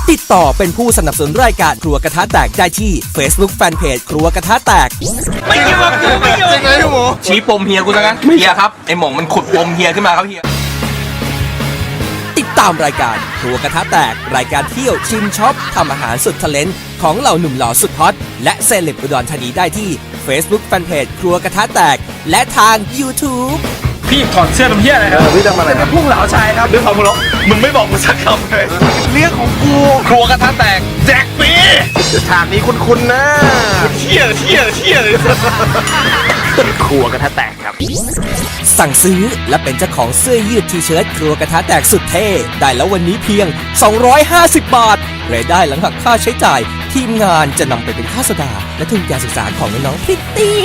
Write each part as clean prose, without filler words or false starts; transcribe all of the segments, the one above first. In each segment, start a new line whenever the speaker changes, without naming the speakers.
ติดต่อเป็นผู้สนับสนุนรายการครัวกระทะแตกได้ที่ Facebook Fanpage ครัวกระทะแตก
ไม่อยู่กับกูไม่อยู่
ยังไงพี่หมู
ชี้ปมเฮียกูซะงั้นเฮียครับไอหม่องมันขุดปมเฮียขึ้นมาครับเฮีย
ติดตามรายการครัวกระทะแตกรายการเที่ยวชิมช็อปทำอาหารสุดทะเลนของเหล่าหนุ่มหล่อสุดฮอตและเซเลบอุดรธานีได้ที่ Facebook Fanpage ครัวกระทะแตกและทาง YouTube
พี่ถอดเสื้อทำเหี้ยอะไรครับ
พี่ทำอะไรครับ
พุ่งเหลาชายครับ
เรื่องของมึงหรอมึงไม่บอกมึงสักคำเลยเรื่องของกูครัวกระทะแตกแจกฟรีฉากนี้คุ้นๆนะเที่ยเลยครัวกระทะแตกครับ
สั่งซื้อและเป็นเจ้าของเสื้อยืดทีเชิ้ตครัวกระทะแตกสุดเท่ได้แล้ววันนี้เพียง250 บาทรายได้หลังหักค่าใช้จ่ายทีมงานจะนำไปเป็นค่าสดาและทุนการศึกษาของน้องๆพริตตี้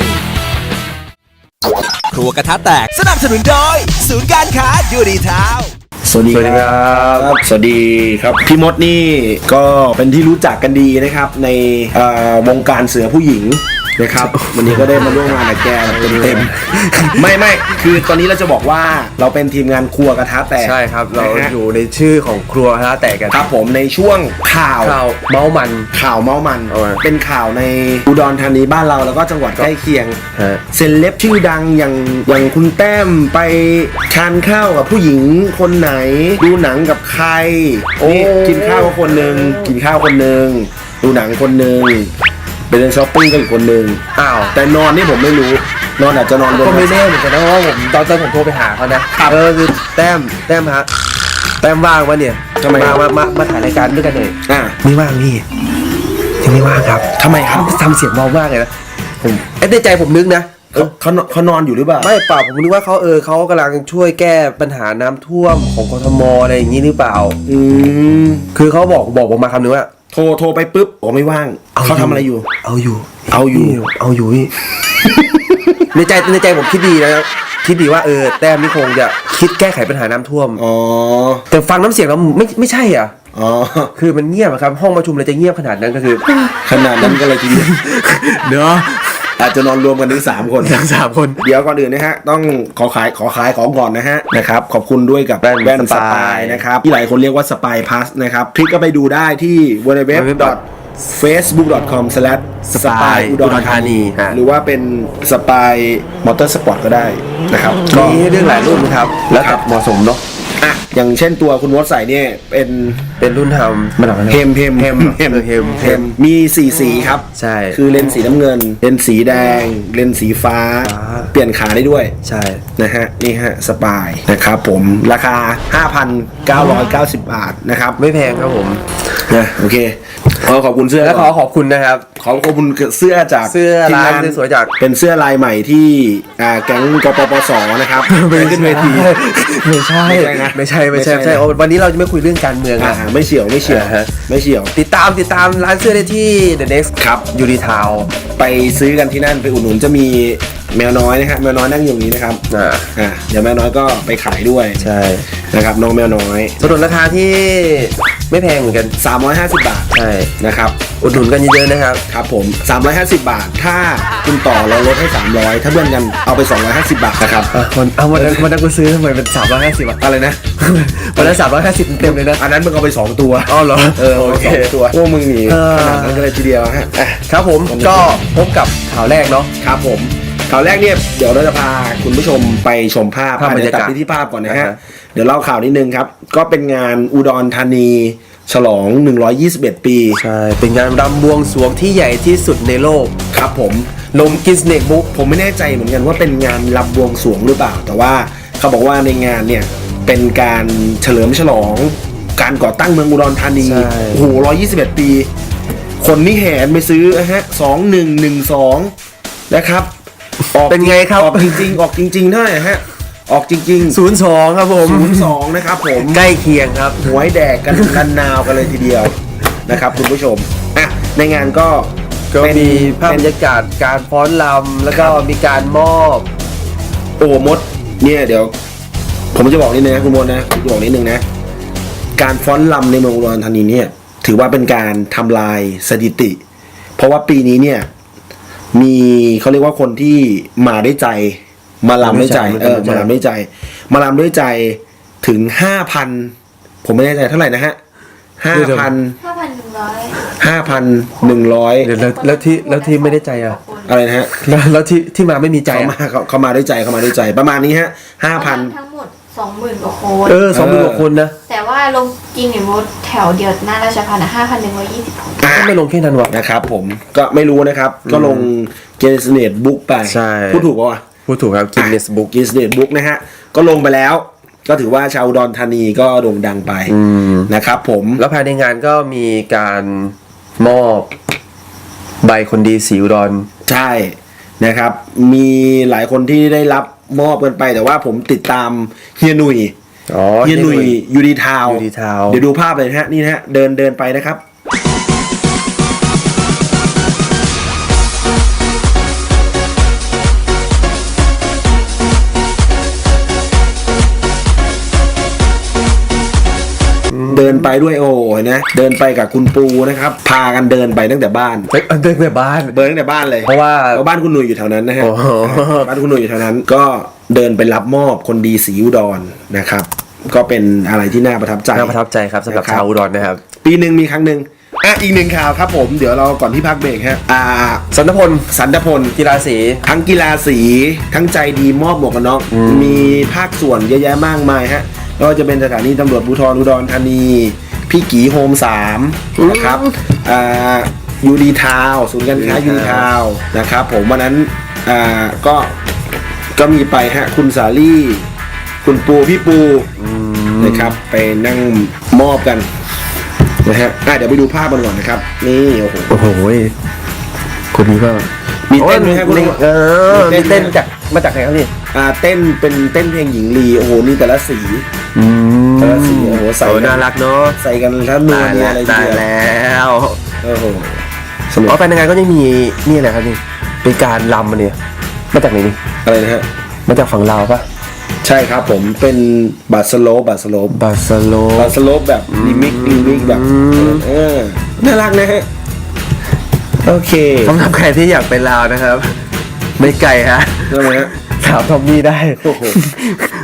ครัวกระทะแตกสนับสนุนโดยศูนย์การค้ายูดีทาว
สวัสดีครับสวัสดีครับพี่มดนี่ก็เป็นที่รู้จักกันดีนะครับในวงการเสือผู้หญิงนะครับวันนี้ก็ได้มาร่วมงานกับแกเต็มไม่คือตอนนี้เราจะบอกว่าเราเป็นทีมงานครัวกระทะแตก
ใช่ครับเราอยู่ในชื่อของครัวกระทะแตกกัน
ครับผมในช่วงข่าว
เมามัน
เป็นข่าวในอุดรธานีบ้านเราแล้วก็จังหวัดใกล้เคียงเซเลบชื่อดังอย่างคุณแต้มไปทานข้าวกับผู้หญิงคนไหนดูหนังกับใครนี่กินข้าวคนหนึ่งดูหนังคนหนึ่งไปเดินช้อปปิ้งกับอีกคนนึงแต่นอนนี่ผมไม่รู้นอนอาจจะนอน
ก็ไม่แน่เหมือนกันนะเพราะว่าผมตอนผมโทรไปหาเขานะคือแต้มฮะแต้มว่างวะเนี่ย
ทำไม
มาถ่ายรายการด้วยกันเลย
ไม่ว่างนี่
ยังไม่ว่างครับ
ทำไมครับ
ทำเสียงเบามากเลยนะผมในใจผมนึกนะ
เขานอนอยู่หรือเปล่า
ไม่เปล่าผมนึกว่าเขากำลังช่วยแก้ปัญหาน้ำท่วมของกทมอะไรอย่างนี้หรือเปล่าคือเขาบอกผมมาคำนึงว่า
โทรไปปุ๊บไม่ว่างเขาทำอะไรอยู่
เอาอยู่ในใจผมคิดดีนะคิดดีว่าแต้มนี่คงจะคิดแก้ไขปัญหาน้ำท่วมแต่ฟังน้ำเสียงแล้วไม่ใช่อ่ะคือมันเงียบครับห้องประชุมเลยจะเงียบขนาดนั้นก็คือ
ขนาดนั้นก็เลยทีเดียว
เนาะ
อาจจะนอนรวมกันถึง3 คน
ทั้ง3 คน
เดี๋ยวก่อนอื่นนะฮะต้องขอขายของก่อนนะครับขอบคุณด้วยกับแว่นสปายนะครับที่หลายคนเรียกว่าสปายพลัสนะครับคลิกก็ไปดูได้ที่ www.facebook.com/spy อุดรธานีหรือว่าเป็นสปายมอเตอร์สปอร์ตก็ได้นะครับ
มีเรื่องหลายรุ่นครับแล้วแต่เหมาะสมเนาะ
อย่างเช่นตัวคุณมดใส่เนี่ย
เป็นรุ่นทำ
เฮมมี4 สีครับ
ใช่
คือเลนส์สีน้ำเงินเลนส์สีแดงเลนส์สีฟ้าเปลี่ยนขาได้ด้วย
ใช่
นะฮะนี่ฮะสปายนะครับผมราคา 5,990 บาทนะครับ
ไม่แพงครับผม
นะโอเคขอบคุณเสื้อ
และขอบคุณนะครับ
ขอบคุณเสื้อจาก
เสื้อลายสวยจาก
เป็นเสื้อลายใหม่ที่แก๊งกปปสนะครับขึ้นเวที
ไม่ใช่วันนี้เราจะไม่คุยเรื่องการเมือง
ไม่เฉียว
ติดตามร้านเสื้อได้ที่ The Next
ครับ
ยูดีทาว
ไปซื้อกันที่นั่นไปอุดหนุนจะมีแมวน้อยนะครับแมวน้อยนั่งอยู่นี้นะครับเดี๋ยวแมวน้อยก็ไปขายด้วย
ใช่
นะครับน้องแมวน้อย
สนุนราคาที่ไม่แพงเหมือนกัน
350 บาท
ใช่
นะครับ
อุดหนุนกันเยอะๆนะครับ
ครับผม350 บาทถ้าคุณต่อเราลดให้300ถ้าเพื่อนกันเอาไป250 บาทนะครับ
วันนั้นกูซื้อทำไมเป็น350บาท
อะไรนะ
วันนั้น350เต็มเลยนะ
อันนั้นมึงเอาไป2 ตัว
เหรอ
โอเคตัวพวกมึงหนีขนาดนั้นก็เลยทีเดียวฮะ
ครับผมก็พบกับข่าวแรกเนาะ
ครับผมข่าวแรกเนี่ยเดี๋ยวเราจะพาคุณผู้ชมไปชมภาพบรรยากาศที่ภาพก่อนนะฮะเดี๋ยวเล่าข่าวนิดนึงครับก็เป็นงานอุดรธานีฉลอง121 ปี
ใช่เป็นงานรำบวงสรวงที่ใหญ่ที่สุดในโลก
ครับผม
ลงกินเนกบุ๊ก
ผมไม่แน่ใจเหมือนกันว่าเป็นงานรำบวงสรวงหรือเปล่าแต่ว่าเขาบอกว่าในงานเนี่ยเป็นการเฉลิมฉลองการก่อตั้งเมืองอุดรธานีโอ้โห121 ปีคนนี่แห่ไปซื้อฮะ2112นะครับ
เป็นไงครับ
ออกจริงเท่าไหร่ฮะออกจริง
ๆ02ครับผม
02นะครับผม
ใกล้เคียงครับ
หวยแดกกันนาวกันเลยทีเดียวนะครับคุณผู้ชมในงานก็
มีภาพบรรยากาศการฟ้อนรำแล้วก็มีการมอบ
มดเนี่ยเดี๋ยวผมจะบอกนิดนึงนะคุณมดนะผมจะบอกนิดนึงนะการฟ้อนรำในเมืองอุดรธานีเนี่ยถือว่าเป็นการทำลายสถิติเพราะว่าปีนี้เนี่ยมีเขาเรียกว่าคนที่มาได้ใจมาลำด้วยใจมาลำด้วยใจถึง 5,000 ผมไม่แน่ใจเท่าไหร่นะฮะ 5,100
เดี๋ยวแล้วที่ไม่ได้ใจอ่ะ
อะไรนะฮะ
แล้วที่มาไม่มีใจ
เขามาด้วยใจประมาณนี้ฮะ 5,000
ทั้งหมด 20,000 กว่าคน
20,000 กว่าคนนะ
แต่ว่าลงจริงเนี่ยมดแถวเดียวหน้าราชพัฒน์5,120 คน
ก็ไม่ลงแค่นั้นวะ
นะครับผมก็ไม่รู้นะครับ ก็ลงเกนเนตบุ๊กไป
ใช่
พูดถูกป่าวะ
พูดถูกครับกินเนสบุ๊ก
เกนเนตบุ๊กนะฮะ ก็ลงไปแล้ว ก็ถือว่าชาวอุดรธานีก็โด่งดังไปนะครับผม
แล้วภายในงานก็มีการมอบใบคนดีสีอุดร
ใช่นะครับ มีหลายคนที่ได้รับมอบกันไป แต่ว่าผมติดตามเฮียหนุ่ย
อ๋อ
เฮียหนุ่ยยูดีทาว
UD Town
เดี๋ยวดูภาพเลยนะฮะนี่นะฮะเดินไปนะครับ เดินไปด้วยโอ้ยนะเดินไปกับคุณปูนะครับ พากันเดินไปตั้งแต่บ้าน
เฮ้ยเดินไปบ้าน
เดินตั้งแต่บ้านเลย
เพราะว่า
บ้านคุณหนุ่ยอยู่แถวนั้นนะฮะ
โอ้โห
บ้านคุณหนุ่ยอยู่แถวนั้น ก็เดินไปรับมอบคนดีสีอุดรนะครับ ก็เป็นอะไรที่น่าประทับใจ
น่าประทับใจครับสำหรับ
นะครับ
ชาวอุดรนะครับ
ปีหนึ่งมีครั้งหนึ่งอีกหนึ่งข่าวครับผมเดี๋ยวเราก่อนที่พักเบรกฮะ
สันทพล
สันทพล
กีฬาสี
ทั้งกีฬาสีทั้งใจดีมอบหมวกกันน็อกมีภาคส่วนเยอะแยะมากมายฮะไม่ว่าจะเป็นสถานีตำรวจภูธรอุดรธานีพี่กีโฮม3นะครับยูดีทาวศูนย์การค้ายูดีทาวนะครับผมวันนั้นก็มีไปฮะคุณสาลี่คุณปูพี่ปูนะครับไปนั่งมอบกันนะฮะเดี๋ยวไปดูภาพกันก่อนนะครับนี่โอ้โห
คนนี้ก็
มีเต้นไหมครับคุณลุง
มีเต้นมาจากไหนครับนี่
เต้นเป็นเต้นเพลงหญิงลีโอ้โหนี่แต่ละสีแต่ละสีโอ้โหใส่
น่ารักเนาะ
ใส่กันแล้วนัวเนี่ยอะไร
ตาย
เดียว
แล้ว
โอ้โหสนุก
อ๋อไปในงานก็ยังมีนี่อะไรครับนี่เป็นการรำมาเนี่ยมาจากไหนนี่
อะไรนะฮะ
มาจากฝั่งลาวปะ
ใช่ครับผมเป็นบัตสโลป
บาสโล
บัตสโลปแบบรีมิกแบบน่ารักนะฮะโอเค
สำหรับใครที่อยากไปลาวนะครับ ไม่ไกลฮะ
ใช่ไหมฮะ
ถามทอมมี่ได้
โอ้โห